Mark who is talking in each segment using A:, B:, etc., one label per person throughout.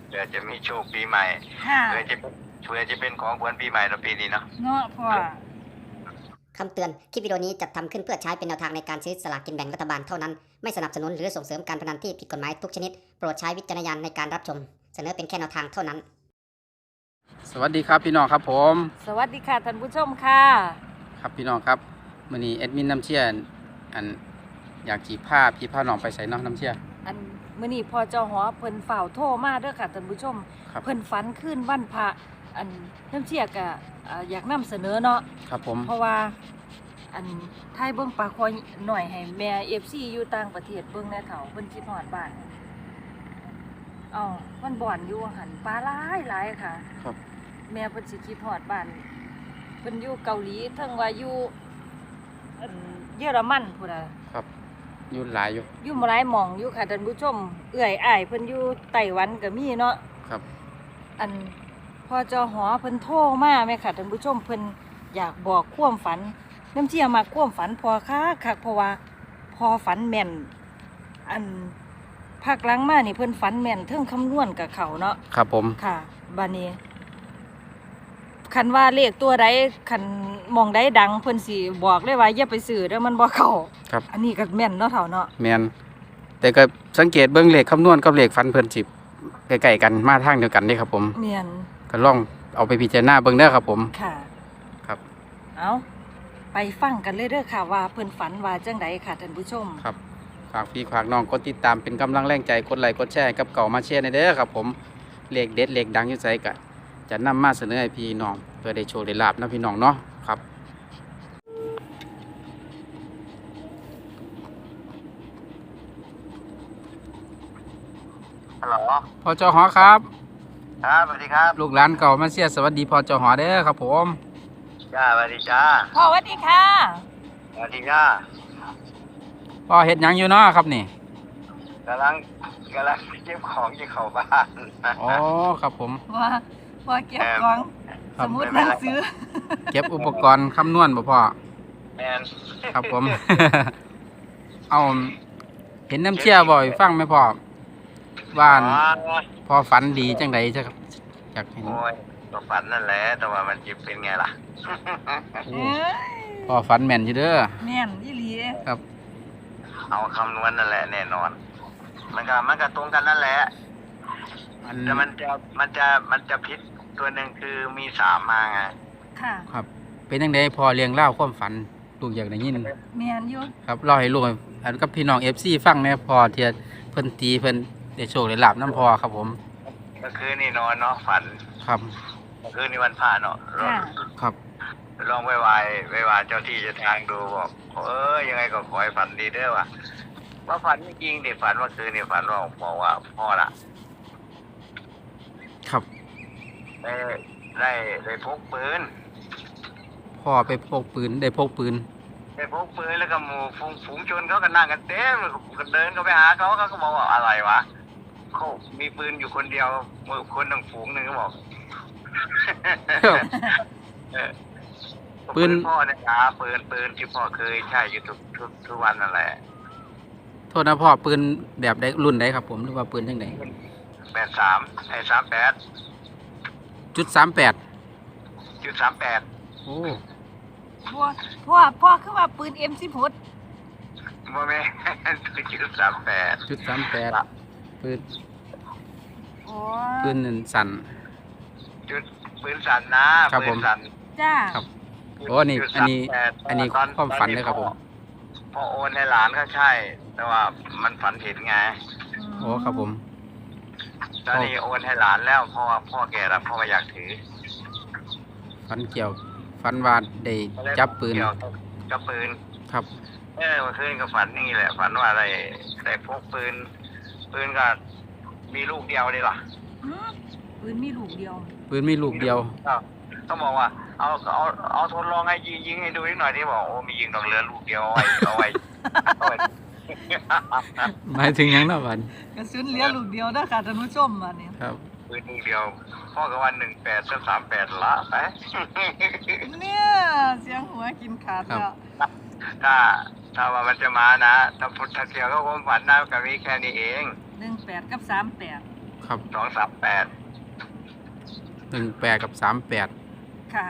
A: เผื่อจะมีโชคปีใหม่
B: ค่ะ
A: เผื่อจะเป็นของขวัญปีใหม่เราปีนี้เนาะ
B: เนาะพ่อ
C: คำเตือน คลิปวิดีโอนี้จัดทำขึ้นเพื่อใช้เป็นแนวทางในการซื้อสลากกินแบ่งรัฐบาลเท่านั้น ไม่สนับสนุนหรือส่งเสริมการพนันที่ผิดกฎหมายทุกชนิด โปรดใช้วิจารณญาณในการรับชม เสนอเป็นแค่แนวทางเท่านั้น
D: สวัสดีครับพี่น้องครับผม
B: สวัสดีค่ะท่านผู้ชมค่ะ
D: ครับพี่น้องครับมื้อนี้แอดมินน้ำเชี่ยอันอยากขี่ผ้าน้องไปใส่เนาะน้ำเชี่ย
B: อันมื้อนี้พอเจ้าหอเพิ่นฝ่าวโทรมาเด้อค่ะท่านผู้ชม
D: ครับ
B: เพิ่นฝันขึ้นวันพระอันน้ำเชี่ยก็อยากนำเสนอเนาะ
D: ครับผม
B: เพราะว่าอันไทยเบิ่งปลาคอยหน่อยให้แม่ FC อยู่ต่างประเทศเบิ่งแน่เฒ่าเพิ่นคิดฮอดบ้านอ้าวมันบ่อนอยู่หันปลาหลายค่ะ
D: ครับ
B: แม่เพิ่นสิคิดฮอดบ้านเพิ่นอยู่เกาหลีเทิงว่าอยู่อันเยอรมันพุ่นน่ะ
D: ครับอยู่หลายอยู่
B: อยู่หลายหม่องอยู่ค่ะท่านผู้ชมเอื้อยอ้ายเพิ่นอยู่ไต้หวันก็มีเนาะ
D: ครับ
B: อันพอจอหอเพิ่นโทรมาแม่ค่ะท่านผู้ชมเพิ่นอยากบอกความฝันน้ำเชี่ยมาความฝันพอคักเพราะว่าพอฝันแม่นอันภาคหลังมานี่เพิ่นฝันแม่นเทิงคำนวณกับเขาเนาะ
D: ครับผม
B: ค่ะบัดนี้คันว่าเลขตัวใดคันมองใดดังเพิ่นสิบอกเลยว่าอย่าไปซื้อเด้อมันบ่เข้า
D: ครับ
B: อันนี้ก็แม่นเนาะเฒ่าเนาะ
D: แมนแต่ก็สังเกตเบิ่งเลขคำนวณกับเลขฟันเพิ่นสิใกล้ๆกันมาทางเดียวกันเด้ครับผม
B: แม่น
D: ก็ลองเอาไปพิจารณาเบิ่งเด้อครับผม
B: ค่ะ
D: ครับ
B: เอาไปฟังกันเลยเด้อค่ะว่าเพิ่นฝันว่าจังใดค่ะท่านผู้ชม
D: ครับฝากพี่ฝากน้องกดติดตามเป็นกำลังแรงใจกดไลค์กดแชร์กับเก่ามาแชร์ในเด้อครับผมเลขเด็ดเลขดังอยู่ไสก็จะนำมาเสนอให้พี่น้องเพื่อได้โชคได้ลาภนะพี่น้องเนาะครับ
A: ฮัลโหล
D: พอจหอครับ
A: ครับสวัสดีครับ
D: ลูกหลานเก่ามาเชียร์สวัสดีพอจหอเด้อครับผม
A: จ้าสวัสดีจ้า
B: พ่อสวัสดีค่ะ
A: สวัสดีจ้า
D: พ่อเฮ็ดหยังอยู่เนาะครับนี่
A: กำลังเก็บของที่เข้าบ้าน
D: อ๋อครับผม
B: ว่าเก็บของ
D: ครั
B: ส
D: บ
B: มุดหนังสือ
D: เก็บอุปกรณ์คำนวณบ่พ่อ
A: แมน
D: ครับผม เอาเห็นน้ำเชี่ยบ่อยฟังไหมพ่อว่าอั่นพอฝันดีจังใดจ้ะครับอยากเห็น
A: โอ้ยก็ฝันนั่นแหละแต่ว่ามันจะเป็นไงล่ะ
D: โอ้
B: เอ้ย
D: พ่อฝันแม่นอยู่เด้อ
B: แม่นอีหลี
D: ครับ
A: เอาคำนวณนั่นแหละแน่นอน มันก็ตรงกันนั่นแหละ
D: อัน
A: แต่มันจะผิดตัวหนึ่งคือมีสามมาไง
B: ค่ะ
D: ครับ เป็นจังใดพ่อเลี้ยงเล่าความฝันลูกอยากได้ยิน
B: แม่นอยู่
D: ครับเล่าให้ลูกอันกับพี่น้อง FC ฟังแหน่พอเทียเพิ่นตีเพิ่นได้โชคได้ลาบน้ำพอครับผม
A: เมื่อคืนนี่นอนเนาะฝัน
D: ครับ
A: เมื่อคืนนี่วันพระเนาะ
B: ค่ะ
D: ครับ
A: ลองไหว้เจ้าที่เจ้าทางดูบอกยังไงก็ขอให้ฝันดีเด้อว่าฝันจริงๆดิฝันเมื่อคืนนี่ฝันว่าบอกว่าพ่อละ
D: ครับ
A: ได้พกปืน
D: พ่อไปพกปืนได้พกปืน
A: ได้พกปืนแล้วก็หมู่ฝูงชนเขาก็นั่งกันเต็มก็เดินเข้าไปหาเขาก็บอกว่าอะไรวะเขามีปืนอยู่คนเดียวคนทั้งฝูงหนึ่งก็บอก ปืนพ่อเนี่ยนะปืนที่พ่อเคยใช้อยู่ทุกวันนั่นแหละ
D: โทษนะพ่อปืนแบบใดรุ่นใดครับผมหรือว่าปืนจังได
A: 83
D: จุด38
A: 38
D: โอ้
B: พ่อคือว่าปืน M16
A: โมเมนต์38
D: จุด38ปืน
B: โอ้
D: ปืนนั่นสั่น
A: ปืนสั่นนะครับ
D: ผม
A: ปืนสั่น
B: จ้า
D: ครับ โอ้อันนี้ความฝันเลยครับผม
A: พ่อโอนให้หลานก็ใช่ แต่ว่ามันฝันผิดไง
D: โอ้ครับผม
A: ตอนนี้โอนให้หลานแล้วเพราะว่าพ่อแก่แล้วพ่อไม่อยากถือ
D: ฝันเกี่ยวฝันว่าได้จับปืน
A: เกี่ยวกับปืน
D: ครับ
A: เมื่อคืนก็ฝันนี่แหละฝันว่าได้พกปืนก็มีลูกเดียวดีหรอ
B: หือปืนมีลูกเดียว
D: ปืนมีลูกเดียว
A: ต้องบอกว่าเอาทดลองให้ยิงให้ดูนิดหน่อยที่บอกโอ้มียิงดอกเรือลูกเดียวเอาไว้
D: หมายถึงหยังเนาะบัด
B: กระสุนเหลือลูกเดียวเด้อค่ะท่านผู้ชมบัดนี้
D: ครับ
A: ปืนลูกเดียวพ่อก็วัน18-38ละไป
B: เนี่ยเสียงหัวกินขาดแล้ว
A: ถ้าว่ามันจะมานะถ้าพุทธเสียก็คงฝันนะก็มีแค่นี้เอง
B: 18กับ38
D: ครับ
A: 238
D: 18กับ38
B: ค่ะ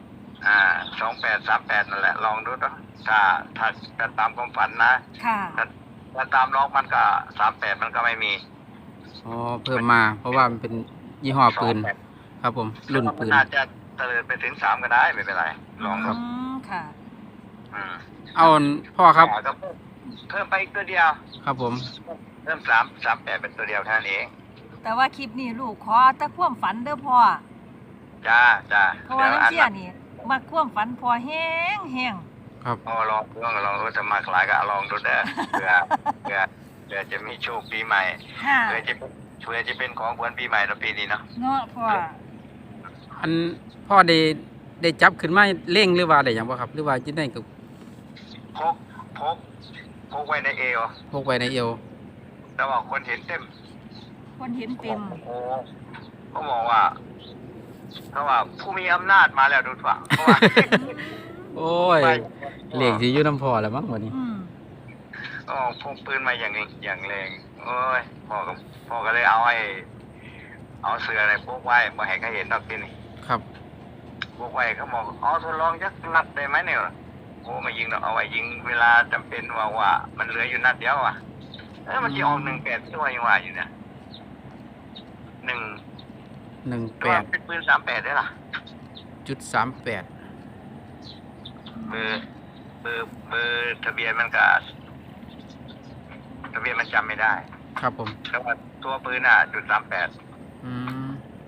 A: 2838นั่นแหละลองดูนะถ้าตามความฝันนะ
B: ค่ะ
A: ถ้าตามล็อกมันก็38มันก็ไม่มี
D: อ๋อเพิ่มมาเพราะว่ามันเป็นยี่ห้อปืน
A: 28
D: ครับผมรุ่นปืน
A: น่าจะเตลิดไปถึง3ก็ได้ไม่เป็นไรลองดู
B: ค่ะ
A: อืม
D: เอาพ่อครับ
A: ก็เพิ่มไปอีกตัวเดียว
D: ครับผม
A: เพิ่ม38เป็นตัวเดียวแค่นั้นเอง
B: แต่ว่าคลิปนี้ลูกขอแต่ความฝันเด้อพ่อ
A: จ้า
B: เพราะว่าน้ำเชี่ยนี่มาความฝันพอแห้ง
D: ครับ
A: ลองดูจะมาคล้ายก็ลองดูเด้อเพื่อจะมีโชคปีใหม่
B: ค่ะ
A: เพื่อจะเป็นของขวัญปีใหม่ในปีนี้เนาะ
B: เนาะพ่อ
D: อันพ่อได้จับขึ้นมาเร่งหรือว่าได้หยังบ่ครับ หรือว่าจะได้กับ
A: พกไว้ในเอว
D: พกไว้ในเอว
A: แต่ว่าคนเห็นเต็ม
B: คนเห็นเต็ม
A: โอ้เขาบอกว่าผู้มีอำนาจมาแล้วดูฝั่งเพราะว่า
D: โอ้ยเลขสิอยู่น้ำพ่อแล้วมั้งวันนี้
B: อืม
A: พกปืนมาอย่างแรงโอ้ยพ่อก็เลยเอาเสื้ออะไรพกไว้มาให้เขาเห็นดอกที่นี่
D: ครับ
A: พกไว้เขาบอกทดลองยักนัดได้ไหมเนี่ยโอ้มายิงเนาะเอาไว้ยิงเวลาจำเป็นว่ามันเหลืออยู่นัดเดียวอ่ะมันจะออก18ที่ว่ายังว่าอยู่เนี่ยว่าเป็นปืน38ได้ล่ะ
D: 18.38
A: เบอร์ทะเบียนมันก็ทะเบียนมันจำไม่ได้
D: ครับผม
A: แต่ว่าตัวปืน.38
D: อืม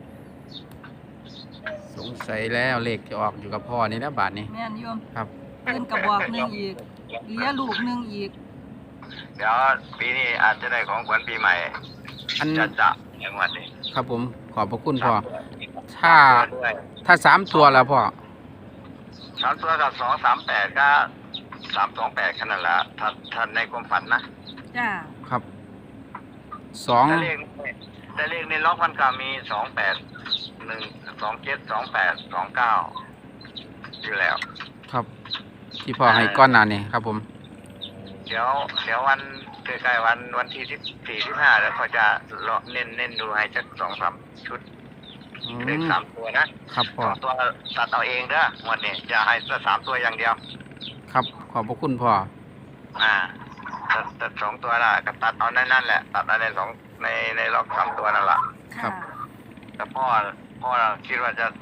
D: สงสัยแล้วเลขจะออกอยู่กับพ่อนี่นะบาทนี้
B: แม่นโยม
D: ครับ
B: ปืนกระบอกหนึงอีกเหลือลูกหนึงอีก
A: เดี๋ยวปีนี้อาจจะได้ของขวัญปีใหม่
D: อัน
A: จะอย่างวันนี้
D: ครับผมขอบพระคุณพ่อ
A: ถ้า
D: ถ้า3ตัวแล้วพ่อ
A: 3ตัวกับ238ก็328แค่นั้นแหละถ้าในความฝันนะ
B: จ้า
D: ครับ
A: แต่เลขในล็อกมันก็มี28 1 27 28 29อยู่แล้ว
D: 2ครับ ที่พ่อให้ก้อนหน้านี่ครับผม
A: เดี๋ยววันใกล้ๆวันที่14 15แล้วเขาจะเน้นดูให้สัก2-3 ชุด เลข3ตัวนะครับ
D: พ่อ
A: 2ตัวตัดเอาเองเด้อหมดนี่จะให้3ตัวอย่างเดียว
D: ครับขอบพระคุณพ่อ
A: ตัด2ตัวละก็ตัดเอานั่นแหละตัดเอาในในล็อก3ตัวนั่นแหละ
D: ครั
B: ค่ะ
D: บ
A: แต่พ่อคิดว่าจะ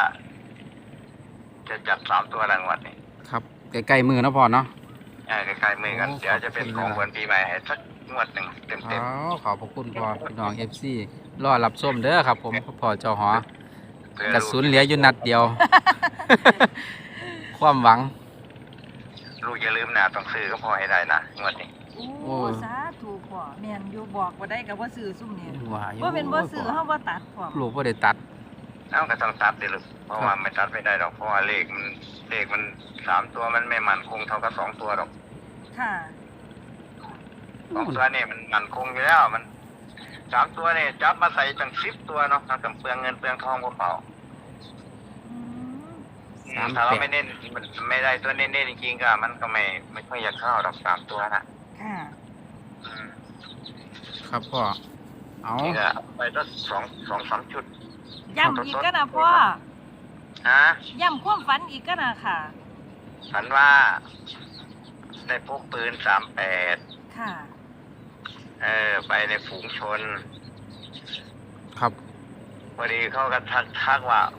A: จัด3ตัวรางวัลนี่
D: ครับใกล้ๆมือเนาะพ่อเนาะ
A: ใกล้ๆมือกัน
D: โอ้
A: เดี๋ยวจะเป็นของขวัญปีใหม่ให้สักงวดหนึ่งเต็ม
D: ขอบพระคุณพ่อพี่น้อง FC รอรับส้มเด้อครับผมพ่อเจ้าหอ
A: ๆเพื่อก
D: ระสุนเหลืออยู่นัดเดียว ความหวัง
A: ลูกอย่าลืมนะต้องซื้อก็พอให้ได้นะงวดนี้
B: โอ้สาธุพ่อแม่นอยู่บอกบ่ได้ก็บ่ซื้อซุ่มนี่
D: ว่าอยู่
B: บ่เป็นบ่ซื้อเฮาบ่ตัดพ่อ
D: ลูกบ่ได้ตัด
A: ก็ต้องตัดดิลูกเพราะว่าไม่ตัดไม่ได้หรอกเพราะว่าเลขมัน3ตัวมันไม่มั่นคงเท่ากับ2ตัวหรอก
B: ค่ะ
A: 2ตัวนี่มันมั่นคงอยู่แล้วมัน3ตัวนี่จับมาใส่ตั้ง10ตัวเนาะมันก็เปลืองเงินเปลืองทองเปล่า
B: อืม
A: ๆถ้าเราไม่เน้นมันไม่ได้ตัวเน้นๆจริงๆก็มันก็ไม่ค่อยอยากเข้าหรอก3ตัวนะ
B: ค่ะ
A: อืม
D: ครับพ่อเอา
A: นี่ก็ไปสัก2-3 ชุด
B: ย้ำอีกก็นะพ่อ
A: ฮะ
B: ย้ำความฝันอีกก็นะค่ะ
A: ฝันว่าได้พกปืน38
B: ค่ะ
A: ไปในฝูงชน
D: ครับ
A: พอดีเขาก็ทักว่า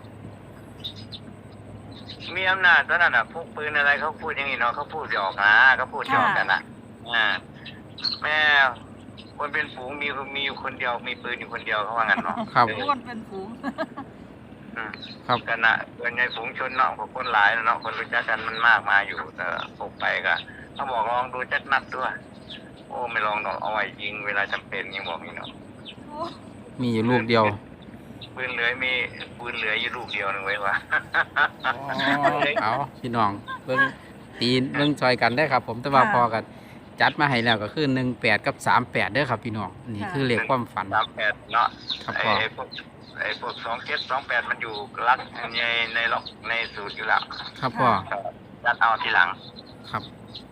A: มีอำนาจตอนนั้นพกปืนอะไรเขาพูดอย่างนี้เนาะเขาพูดหยอกนะเขาพูดหยอกกันแม่คนเป็นฝูงมีอยู่คนเดียวมีปืนอยู่คนเดียวเขาว่างั้นเนาะ
D: ครับ
B: คนเป็นฝูง
D: ครับ
A: กันนะเป็นในฝูงชนเนาะพวกคนหลายเนาะคนรู้จักกันมันมากมาอยู่แต่พกไปก็เขาบอกลองดูจักนัดด้วยโอ้ไม่ลองดอกเอาไว้ยิงเวลาจำเป็นยังบอกนี่เนาะ
D: มีอยู่ลูกเดียว
A: ปืนเหลืออยู่ลูกเดียวนึงไว้วะ
D: เอาพี่น้องเบิ่งตีนเบิ่งซอยกันได้อครับ ผมแต่ว่า
B: ค่ะ
D: พอกันจัดมาให้แล้วก็คือ18กับ38เด้อครับพี่น้องนี่คือเลขความฝัน
A: 38เนาะ
D: ครับ
A: ไอ้
D: พ่อ
A: พวก27 28มันอยู่รักในล็อกในสูตรอยู่แล้ว
D: ครับพ่อ
A: ยัดเอาทีหลัง
D: ครับ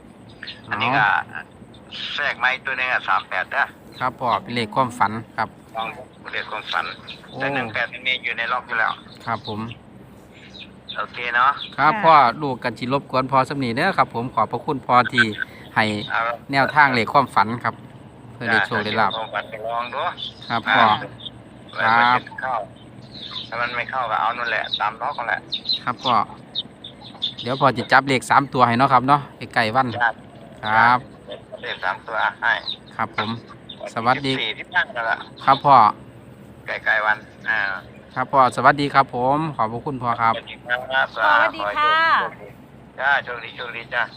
A: อันนี้ก็แทรกไม้ตัวหนึง38เด้อ
D: ครับพ่อเป็นเลขความฝันครับ
A: ลองเรียกความฝัน
D: โอ้
A: แต่18มันมีอยู่ในล็อกอยู่แล้ว
D: ครับผม
A: โอเคเนาะ
D: ครับพ่อลูกกันจิรบกวนพอสำนีเด้อครับผมขอบพระคุณพอที่ให้
A: เอา
D: แนวทางเลขความฝันครับ เพื่อได้โชคได้ลาบ
A: ความฝันไปลองดู
D: ครับพ่อ
A: แล้วมันจะเข้าถ้ามันไม่เข้าก็เอานั่นแหละตามล็อกนั่นแหละ
D: ครับพ่อเดี๋ยวพอจะจับเลข3ตัวให้เนาะครับเนาะใกล้ๆวัน
A: จ้า
D: ครับ
A: เรียก3ตัวให้
D: ครับผม สวัสดี
A: 14ที่นั่งกันละ
D: ครับพ่อ
A: ใกล้ๆวัน
D: ครับพ่อสวัสดีครับผมขอบพระคุณพ่อครับ
A: สวัสดีครับ
B: สวัสดีค่ะ
A: จ้าโชคดีโชคดีจ้า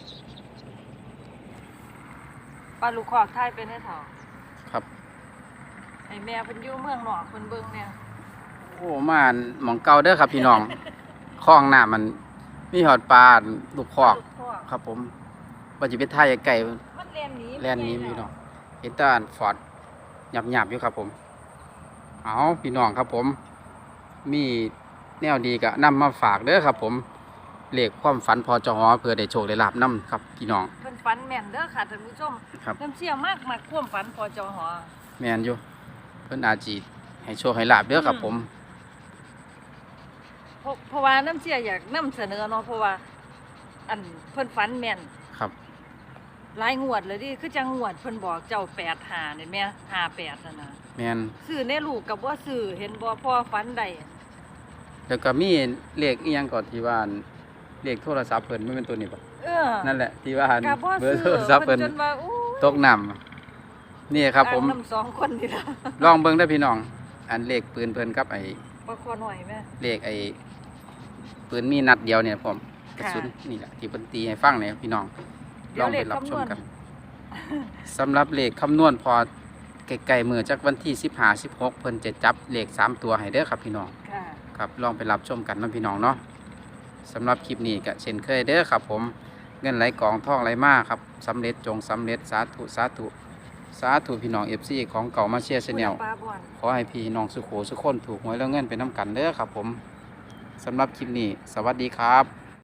B: ปลาลูกคอกไทยเป็นให้เถา
D: ครับ
B: ไอ้แม่เพิ่นอยู่เมืองนอกเพิ่นเบิ่งเนี่ย
D: โอ้มาหมองเก่าเด้อครับพี่น้องคลองน้ำมันมีหอดปลาลูกคอก
B: ลูกคอก
D: ครับผมว่าจะไปท่ายไก่
B: มันแล่นหนี
D: แล่นหนี้พี่น้องเห็นแตาฟอร์ดหยับๆอยู่ครับผมเอาพี่น้องครับผม มีแนวดีก็นำมาฝากเด้อครับผมเลขความฝันพอจอเพื่อได้โชคได้ลาบนำครับพี่น้อง
B: เพิ่นฝันแม่นเด้อค่ะท่านผู้ชม
D: ครับ
B: น้ำเชี่ยมากมากความฝันพอจอหอ
D: แม่นอยู่เพิ่นอาจสิให้โชคให้ลาบเด้อครับผม
B: เพราะว่าน้ำเชี่ยอยากนำเสนอเนาะเพราะว่า อันเพิ่นฝันแม่น
D: ครับ
B: หลายงวดเลยดิคือจังงวดเพิ่นบอกเจ้า85นี่แม่58นั่นน่ะ
D: แม่น
B: ซื้อในลูกกับบ่ซื้อเห็นบ่พ่อฝันได้
D: แล้วก็มีเลขอีหยังก่อนที่ว่าเลขโทรศัพท์เพิ่นมันเป็นตัวนี้บ่
B: เออ
D: นั่นแหละที่ว่า
B: ก็บ่
D: เบอ
B: ซื้
D: ร์
B: อ
D: โทรศัพท์
B: เพิ่
D: เพิ่
B: น
D: น
B: จนว่าอู้
D: ตกน้ำนี่ครับผม
B: ต่างนำสองคนนี่ล่ะ
D: ลองเบิ่งได้อพี่น้อง อันเลขปืนเพิ่นกับไอ้
B: บ่คอหน่อยแม่
D: เลขไอ้ปืนมีนัดเดียวเนี่ยผมกระ
B: ค่ะ
D: สุนนี่แหละที่เพิ่นตีให้ฟังเนี่ยพี่น้อง
B: เดี๋
D: ล
B: ย
D: อ
B: ว
D: ง
B: เล
D: ไป
B: ข
D: รับ
B: คำ
D: ช
B: น
D: ม
B: วณ
D: กันสำหรับเลขคำนวณพอไกลๆมือจากวันที่15 16เพิ่นจะจับเลข3ตัวให้เด้อครับพี่น้อง
B: ค่ะ
D: ครับลองไปรับชมกันนะพี่น้องเนาะสำหรับคลิปนี้ก็เช่นเคยเด้อครับผมเงินไหลกองท่องไหลมาครับสำเร็จจงสำเร็จสาธุสาธุสาธุพี่น้อง FC ของเก่ามาเชียร์ชาแนล
B: ปลาบ่อน
D: ขอให้พี่น้องสุโขสุขคนถูกหวยแล้วเงินเป็นน้ำกันเด้อครับผมสำหรับคลิปนี้ สวัสดีครับ